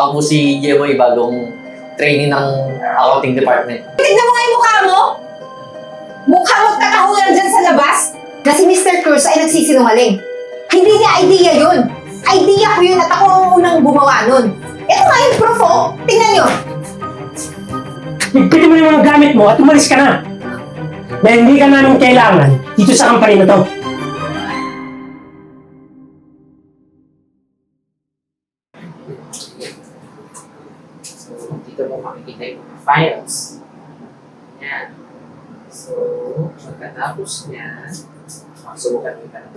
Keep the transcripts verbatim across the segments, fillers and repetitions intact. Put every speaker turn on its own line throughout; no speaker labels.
Ako po si Jeboy, bagong trainee ng accounting department.
Tignan mo nga yung mukha mo! Mukha magkatahulan dyan sa labas na si mister Cruz ay nagsisinungaling. Hindi niya idea yun. Idea ko yun at ako ang unang gumawa nun. Ito nga yung proof, oh. Tingnan nyo.
Pwede mo yung mga gamit mo at umalis ka na. Dahil hindi ka namin kailangan dito sa company na to.
So, dito mo makikita yung mga files. Yan. So, pagkatapos niya, subukan mo ka naman.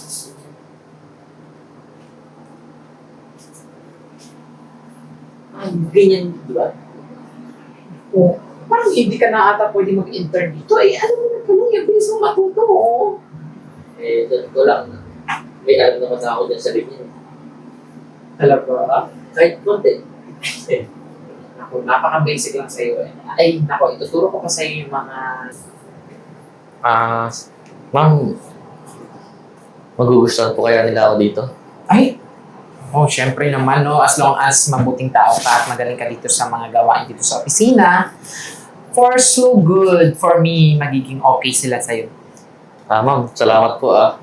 Ah, ganyan, di ba? Oh, parang hindi ka na ata pwede mag-intern dito. Eh, ano mo na pala yung bilis mo matuto, oh.
Eh, doon ko lang. May alam naman na ako dyan sa linya.
Talaga?
Kahit konti.
Eh, Ako, napaka-basic lang sa'yo eh. Ay, nako, ituturo ko pa sa'yo yung mga...
Ah, ma'am, magugustuhan po kaya nila ako dito?
Ay! Oh, syempre naman, no? As long as mabuting tao ka at magaling ka dito sa mga gawain dito sa opisina, for so good, for me, magiging okay sila sa'yo.
Ah, ma'am, salamat po ah.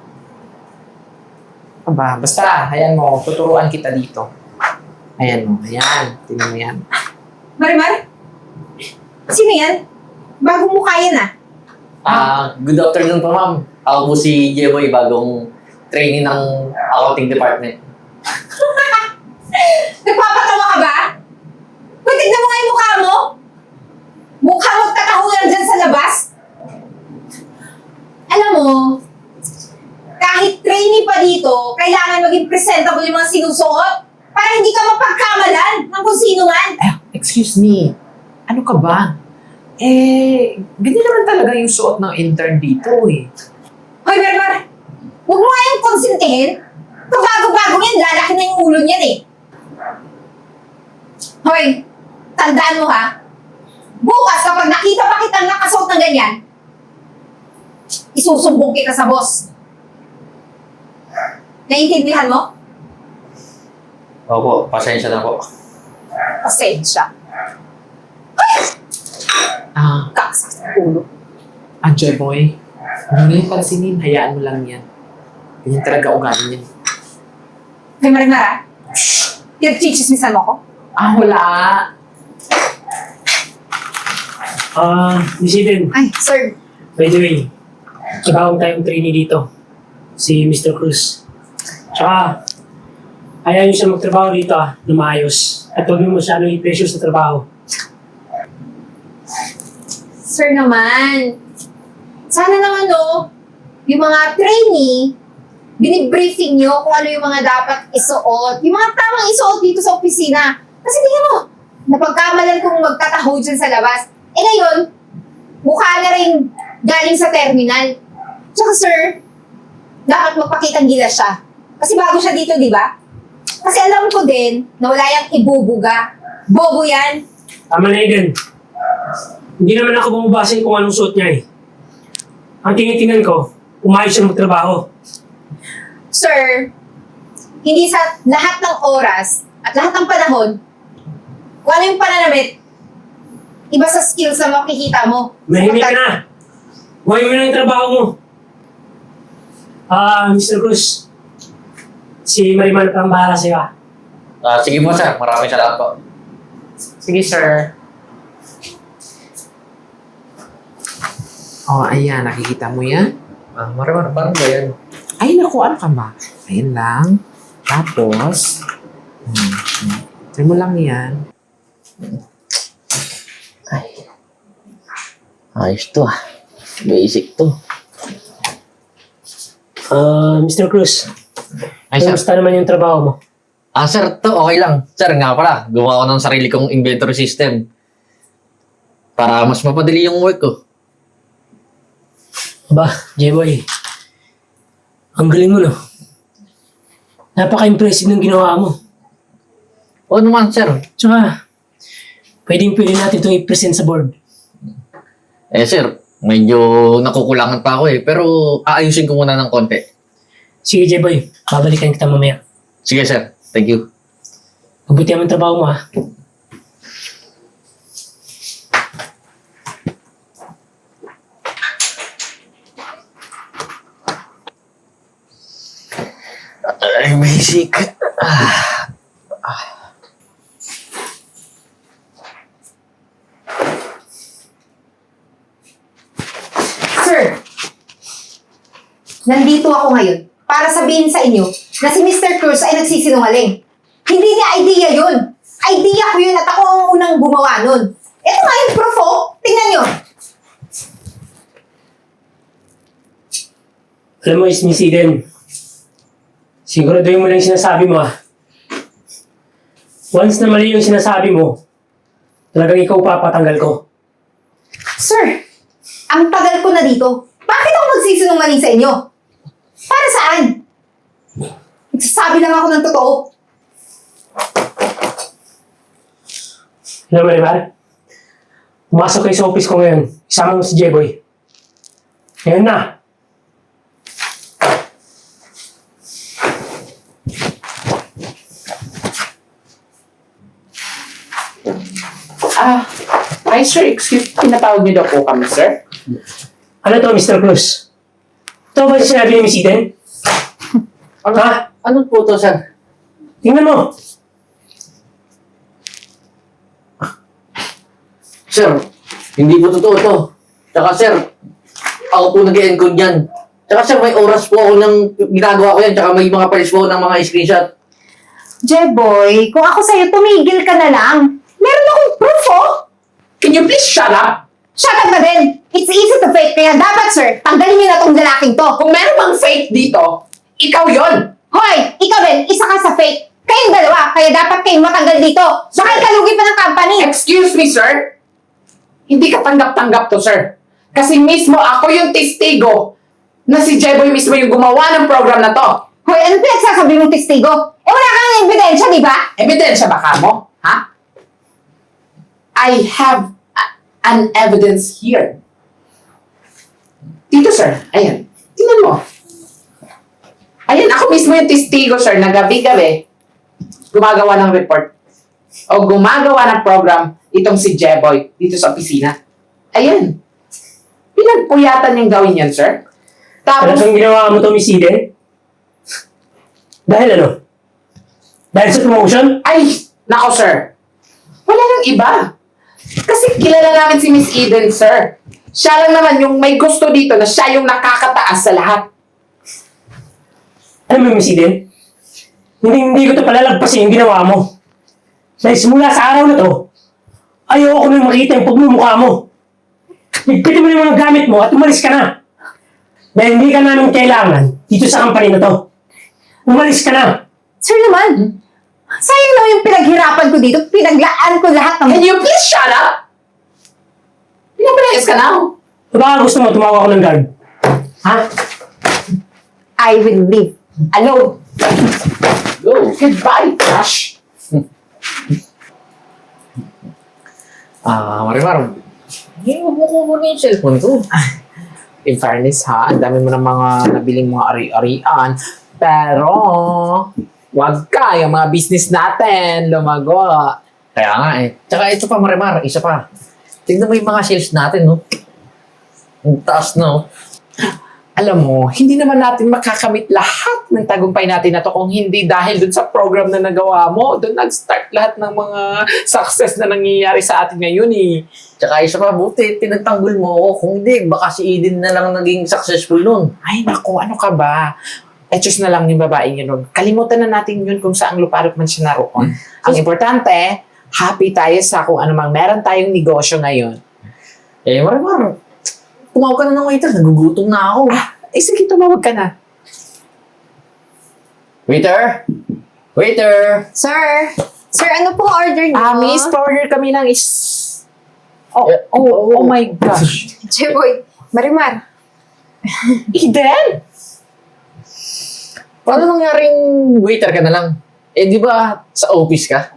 Aba, basta, ayan mo, tuturuan kita dito. Ayan mo, ayan, tingnan mo yan.
Marimar? Sino yan? Bagong mukha yan, ah.
Ah, good afternoon po ma'am. Ako po si Jeboy, bagong trainee ng accounting department.
Nagpapatawa ka ba? Uy, tignan mo nga yung mukha mo! Mukha magkatahulan dyan sa labas! Alam mo, kahit trainee pa dito, kailangan maging presentable yung mga sinusuot para hindi ka mapagkamalan ng kung sino man.
Eh, excuse me, ano ka ba? Eh, ganyan naman talaga yung suot ng intern dito eh.
Hoy, Berber! Huwag mo nga yung konsintihin. Kung bago-bago yan, lalaki na yung ulo niyan eh. Hoy, tandaan mo ha. Bukas kapag nakita pa kitang nakasuot ng ganyan, isusumbong kita sa boss. Naiintindihan mo?
Opo, pasensya na po.
Pasensya.
Ah,
Kaksak sa ulo.
ah, Joy Boy, huwag mo yung pansinin, hayaan mo lang yan. Ganyan talaga ugali niyan.
Hoy, Marimar ha? Pinagchichismisan mo ko?
Ah, wala.
Ah, Miss Eden,
Ay, sir.
by the way, bagong tayong trainee dito. Si mister Cruz. Tsaka, ayaw niyo siya magtrabaho dito ah, na maayos. At huwag niyo masyado i-pressure sa trabaho.
Sir naman. Sana naman no, yung mga trainee, binibriefing nyo kung ano yung mga dapat isuot. Yung mga tamang isuot dito sa opisina. Kasi tingnan mo, napagkamalan kong magtataho dyan sa labas. Eh ngayon, mukha na rin galing sa terminal. Tsaka sir, dapat magpakitang gilas siya. Kasi bago siya dito, di ba? Kasi alam ko din na wala yung ibubuga. Bobo yan.
Tama na Eden. Hindi naman ako bumabase kung anong suot niya eh. Ang tinitingnan ko, umayos siya magtrabaho.
Sir, hindi sa lahat ng oras at lahat ng panahon, kung ano yung pananamit, iba sa skills na makikita mo.
Mahimik ka na. Huwag mo na yung trabaho mo. Ah, mister Cruz. Si Marimar pa ang bahala sa'yo ah.
Ah, sige po sir, maraming salamat po.
Sige, sir. Oh, ayan, nakikita mo yan?
Ah, Marimar, paano ba yan?
Ay, naku, ano ka ba? Ayan lang. Tapos, hmm, hmm. try mo lang yan.
Ay. Ayos to ah. Basic to.
Ah, mister Cruz.
Ay, sir.
Kamusta naman yung trabaho mo?
Ah, sir, to okay lang. Sir, nga pala, gumawa ko ng sarili kong inventory system. Para mas mapadali yung work ko.
Ba, J-Boy. Ang galing mo, no? Napaka-impressive ng ginawa mo.
Oo naman, sir.
Tsaka, pwedeng pwede natin itong i-present sa board.
Eh, sir, medyo nakukulangan pa ako eh. Pero aayusin ko muna ng konti.
Sige, J-Boy. Babalikan kita mamaya.
Sige, sir. Thank you.
Mabuti naman trabaho mo, ah.
Ay, basic.
Sir, nandito ako ngayon para sabihin sa inyo na si mister Cruz ay nagsisinungaling. Hindi niya idea yun. Idea ko yun at ako ang unang gumawa nun. Ito nga yung proof, oh. Tingnan nyo.
Alam mo, Miss Eden, siguraduhin mo lang yung sinasabi mo, ah. Once na mali yung sinasabi mo, talagang ikaw papatanggal ko.
Sir, ang tagal ko na dito. Bakit ako magsisinungaling sa inyo? Para saan? Nagsasabi lang ako ng totoo.
Alam mo, Marimar, pumasok kayo sa office ko ngayon. Isama mo si J-Boy. Ngayon na.
Ah, hi sir, excuse, pinatawag niyo daw po kami, sir?
Ano to, mister Cruz? Ito ba yung sinabi ni Miss Eden?
Ano,
Ha?
ano po to, sir?
Tingnan mo.
Sir, hindi po totoo to. Tsaka sir, ako po nag-encode yan. Tsaka sir, may oras po ako ng ginagawa ko yan. Tsaka may mga files po ng mga screenshot.
Jeboy, kung ako sa'yo, tumigil ka na lang. Meron akong proof, oh.
Can you please shut up?
Shut up na din. It's easy to fake, kaya dapat, sir, tanggalin niyo na tong lalaking to.
Kung meron bang fake dito, ikaw yon.
Hoy, ikaw din, isa ka sa fake. Kayong dalawa, kaya dapat kayong matanggal dito. Baka ikalugi pa ng company.
Excuse me, sir? Hindi ka tanggap-tanggap to, sir. Kasi mismo ako yung testigo na si Jeboy mismo yung gumawa ng program na to.
Hoy, ano pinagsasabi mong testigo? Eh, wala kang ebidensya, di ba?
Ebidensya ba ka mo? Ha? I have a- an evidence here. Dito, sir. Ayan. Tingnan mo. Ayan, ako mismo yung testigo, sir, na gabi-gabi gumagawa ng report o gumagawa ng program itong si Jeboy dito sa opisina. Ayan. Pinagpuyatan niyang gawin yan, sir. Tapos,
Talagang ginawa mo to, Miss Eden? Dahil ano? Dahil sa promotion?
ay, nako, sir. Wala nang iba. Kasi kilala namin si Miss Eden, sir. Siya lang naman yung may gusto dito na siya yung nakakataas sa lahat.
Alam mo, Miss Eden? Hindi, hindi ko to palalagpasin yung ginawa mo. Dahil simula sa araw na to, ayoko nang makita yung pagmumukha mo. Ligpitin mo yung mga gamit mo at umalis ka na. Dahil hindi ka namin kailangan dito sa company na to. Umalis ka na.
Sir naman, sayang naman yung pinaghirapan ko dito. Pinaglaan ko lahat ng...
Can you please shut up? Pinapalayas ka na.
O baka gusto mo tumawag ako ng guard? Ha?
I will leave. Alone.
Go. Goodbye, Crush.
Ah, Marimar. Hindi mo mo kukunin yung cellphone ko.
In fairness, ha, ang dami mo ng mga nabiling mga ari-arian. Pero, wag ka, yung mga business natin, lumago.
Kaya nga eh. Tsaka ito pa, Marimar, isa pa. Tignan mo yung mga sales natin, no? Ang taas, no?
Alam mo, hindi naman natin makakamit lahat ng tagumpay natin na to kung hindi dahil dun sa program na nagawa mo. Doon nag-start lahat ng mga success na nangyayari sa atin ngayon eh.
Tsaka isa pa, buti, pinagtanggol mo ako. Kung hindi, baka si Eden na lang naging successful nun.
Ay naku, ano ka ba? Etos na lang yung babaeng yun. Kalimutan na natin yun kung saang luparot man siya naroon. Ang importante, happy tayo sa kung ano mang meron tayong negosyo ngayon.
Eh, Marimar, tumawag ka na ng waiter. Nagugutom na ako.
Ah, eh sige, tumawag ka na.
Waiter! Waiter!
Sir, sir, ano pong order niyo?
Ah, miss, order kami ng is... Oh,
Eh,
oh, oh my gosh.
Jeboy, Marimar.
Eden!
Paano nangyaring waiter ka na lang? Eh, di ba sa office ka?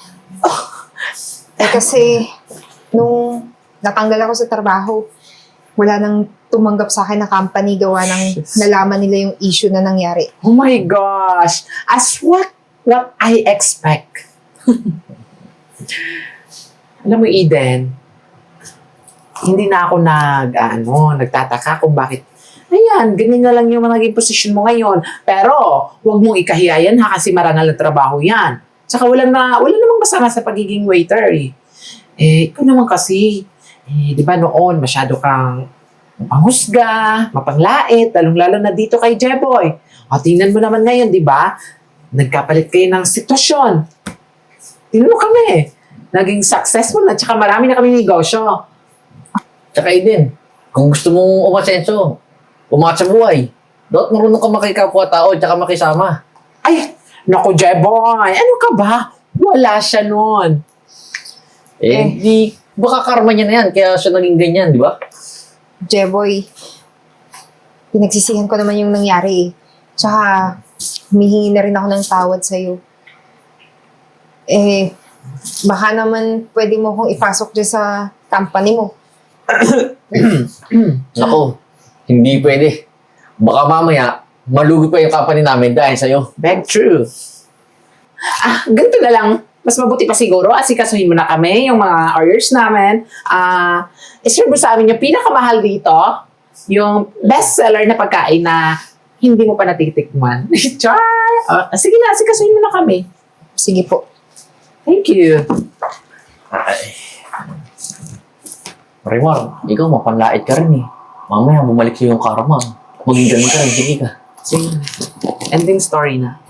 Eh kasi, nung natanggal ako sa trabaho, wala nang tumanggap sa akin na company gawa ng nalaman nila yung issue na nangyari.
Oh my gosh. As what what I expect Alam mo, Eden, hindi na ako nag, ano, nagtataka kung bakit, ayan, ganyan na lang yung mga naging posisyon mo ngayon. Pero, huwag mong ikahiya yan ha, kasi marangal na trabaho yan. Tsaka wala na, wala namang masama sa pagiging waiter eh. Eh, ikaw naman kasi, eh, di ba noon, masyado kang mapanghusga, mapanglait, lalong-lalo na dito kay Jeboy. O, tingnan mo naman ngayon, di ba? Nagkapalit kayo ng sitwasyon. Tingnan mo kami. Naging successful na, tsaka marami na kami negosyo.
Tsaka Eden, kung gusto mong umasenso, umangat sa buhay, dapat marunong ka makikapwa-tao at saka makisama.
Ay, naku, Jeboy, ano ka ba? Wala siya nun.
Eh,
Eh.
di, baka karma niya na yan, kaya siya naging ganyan, di ba?
Jeboy, pinagsisihan ko naman yung nangyari eh. Tsaka, humihingi na rin ako ng tawad sa'yo. Eh, baka naman pwede mo kong ipasok dyan sa company mo.
Nako, hindi pwede. Baka mamaya, malugi pa yung company namin dahil sa'yo.
Beg true. Ah, ganito na lang. Mas mabuti pa siguro, asikasuhin mo na kami, yung mga orders namin. Ah, iserve mo sa amin yung pinakamahal dito, yung best seller na pagkain na hindi mo pa natitikman. Char! Ah, sige na, asikasuhin mo na kami.
Sige po.
Thank you.
Ay. Marimar, ikaw mapanlait ka rin eh. Mamaya bumalik sa'yo yung karma. Maging ganun ka rin, sige ka.
Sige. Ending story na.